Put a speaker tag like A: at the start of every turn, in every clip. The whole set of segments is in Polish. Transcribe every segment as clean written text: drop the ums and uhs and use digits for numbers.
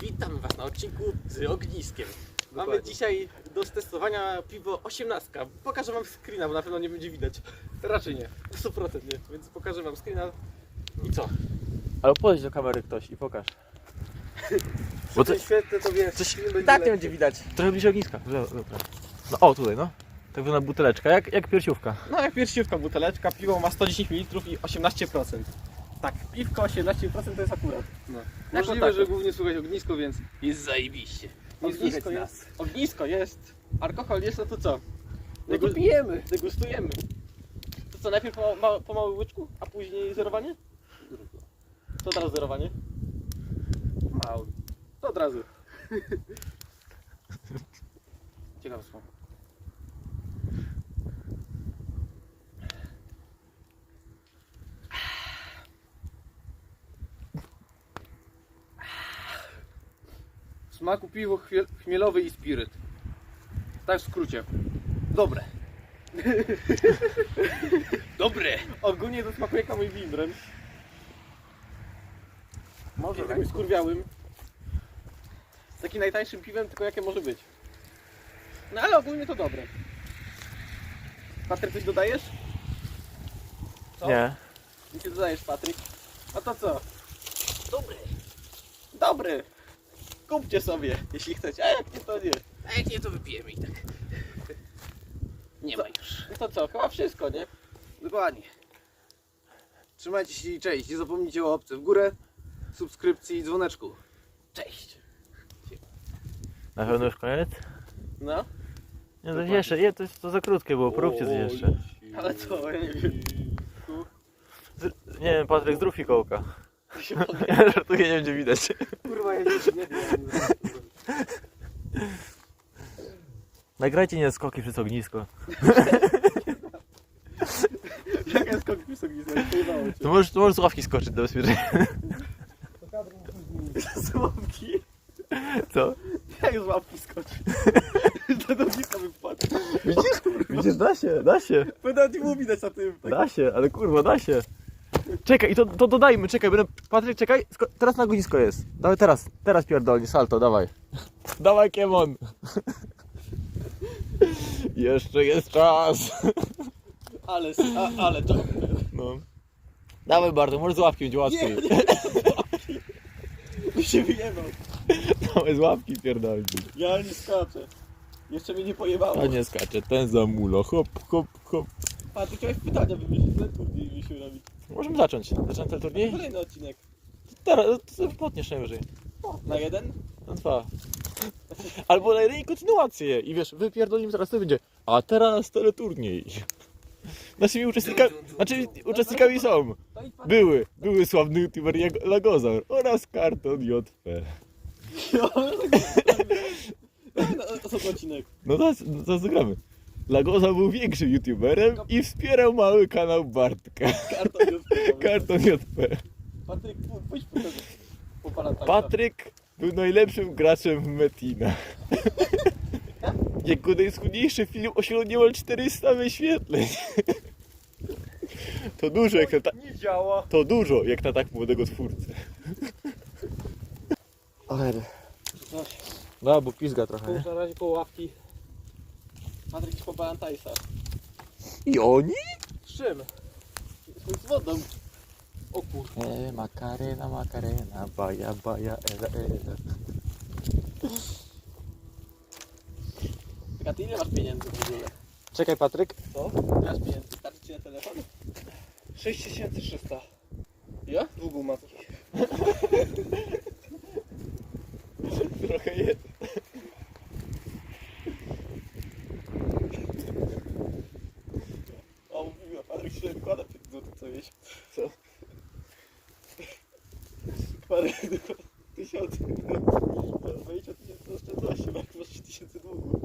A: Witam Was na odcinku z ogniskiem. Mamy
B: Dokładnie.
A: dzisiaj do testowania piwo 18. Pokażę Wam screena, bo na pewno nie będzie widać. Raczej nie, 100% nie, więc pokażę Wam screena. I co?
C: Ale podejdź do kamery ktoś i pokaż. Bo to
B: Świetne to wiesz,
C: coś
B: film będzie
C: tak nie
B: lepszy.
C: będzie widać. Trochę bliżej ogniska. Dobra. No o, tutaj no. Tak wygląda buteleczka, jak piersiówka.
A: No jak piersiówka, buteleczka, piwo ma 110 ml i 18%. Tak, piwko 18% to jest akurat.
B: No.
A: Jako
B: Możliwe,
A: tako.
B: że głównie słychać ognisko, więc
A: Jest zajebiście.
B: Nie
A: Ognisko
B: słychać
A: jest, ognisko jest, alkohol jest, no to co?
B: no to pijemy.
A: Degustujemy. To co, najpierw po małym łyczku, a później zerowanie? To od razu zerowanie?
B: Mały.
A: To od razu. Ciekawe słowo.
B: W smaku piwo chmielowy i spiryt. Tak w skrócie. Dobre.
A: Dobre! Ogólnie to smakuje jak mój wimbrem.
B: Może
A: Jakimś skurwiałym. Z takim najtańszym piwem, tylko jakie może być. No ale ogólnie to dobre. Patryk, coś dodajesz? Co?
C: Nie.
A: Nic nie dodajesz, Patryk. A to co? Dobry. Dobry. Kupcie sobie, jeśli chcecie. A jak nie, to nie.
D: A jak nie, to wypijemy i tak. Nie ma już.
A: No to co? Chyba wszystko, nie?
B: Dokładnie. Trzymajcie się i cześć. Nie zapomnijcie o łapce w górę, subskrypcji i dzwoneczku.
A: Cześć.
C: Na pewno już koniec?
A: No.
C: Nie, to jeszcze, nie, to za krótkie było, poróbcie coś jeszcze.
A: Ale co? Ja nie wiem.
C: Nie wiem, Patryk, zrób fikołka.
A: To się podniesie.
C: Ja żartuję, nie będzie widać.
B: Kurwa, ja nie wiem.
C: Nagrajcie nie skoki przez ognisko.
A: Jak jest kokpis nie pojebało cię.
C: To możesz z ławki skoczyć do bezpieczeństwa.
A: Z łapki?
C: Co?
A: Jak z łapki skoczy? Do ogniska bym wpadł.
C: Widzisz, da się.
A: Będę nie było widać na tym. Tak.
C: Da się, ale kurwa, da się. Czekaj, i to dodajmy, czekaj, Patryk, czekaj, teraz na ognisko jest. Dawaj teraz pierdolni, salto, dawaj. Dawaj, Kiemon. Jeszcze jest czas.
A: Ale to...
C: No. Dawaj, Bartek, może z łapki będzie łatwiej.
A: Mi się wyjebał.
C: Dawaj, z łapki pierdolni.
A: Ja nie skaczę. Jeszcze mnie nie pojebało.
C: A nie skacze, ten za mulo, hop, hop, hop.
A: A ty chciałeś pytania wymyślić, ten turniej wymyślił robić.
C: Możemy zacząć. Zacząć ten turniej?
A: Kolejny odcinek.
C: Teraz, to potniesz najwyżej.
A: Na jeden?
C: Na 2. Albo na jeden kontynuację. I wiesz, wypierdolimy teraz to będzie. A teraz teleturniej. Naszymi uczestnikami są.
A: To idź pan.
C: Były sławny youtuber Lagozaur oraz Karton JP.
A: Osobny odcinek.
C: No to zagramy. Lagozaur był większym youtuberem i wspierał mały kanał Bartka. Karton JP.
A: Patryk, pójdź po pana tańca.
C: Patryk był najlepszym graczem w Metina. Jego najschudniejszy film osiągnął niemal 400 wyświetleń. To dużo jak na
A: Nie działa.
C: To dużo jak na tak młodego twórcę. No, bo pizga trochę,
A: Połóż na razie koło ławki. Patryk idź po Balantajsa.
C: I oni?
A: Z czym? Z wodą. O kur...
C: Makarena, baja, ela.
A: A ty ile masz pieniędzy w ogóle?
C: Czekaj, Patryk.
A: Co? Ile masz pieniędzy? Starczy ci na telefon?
B: 6300.
A: Ja? Długo ma.
C: Trochę jest.
A: O, mówiła, Patryk się wykłada 5 zł co jeść.
C: Co?
A: Patryk, 1000. 20 tysięcy oszczędności, jak masz 3000 długu.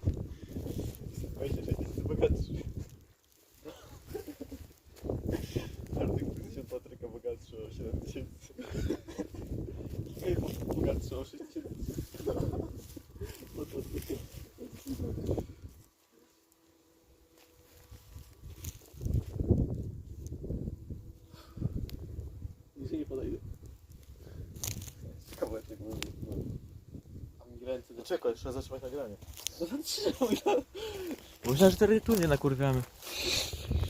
A: 26 tysięcy bogatszy. Bartek 1000 Patryka bogatszy o 7000. Bogatszy o 6000. Niżej nie podejdę. Kawałek mówi.
B: Ręce do...
C: Czekaj, jeszcze zatrzymać nagranie.
B: No,
C: Myślałem, że teleturnie nakurwiamy.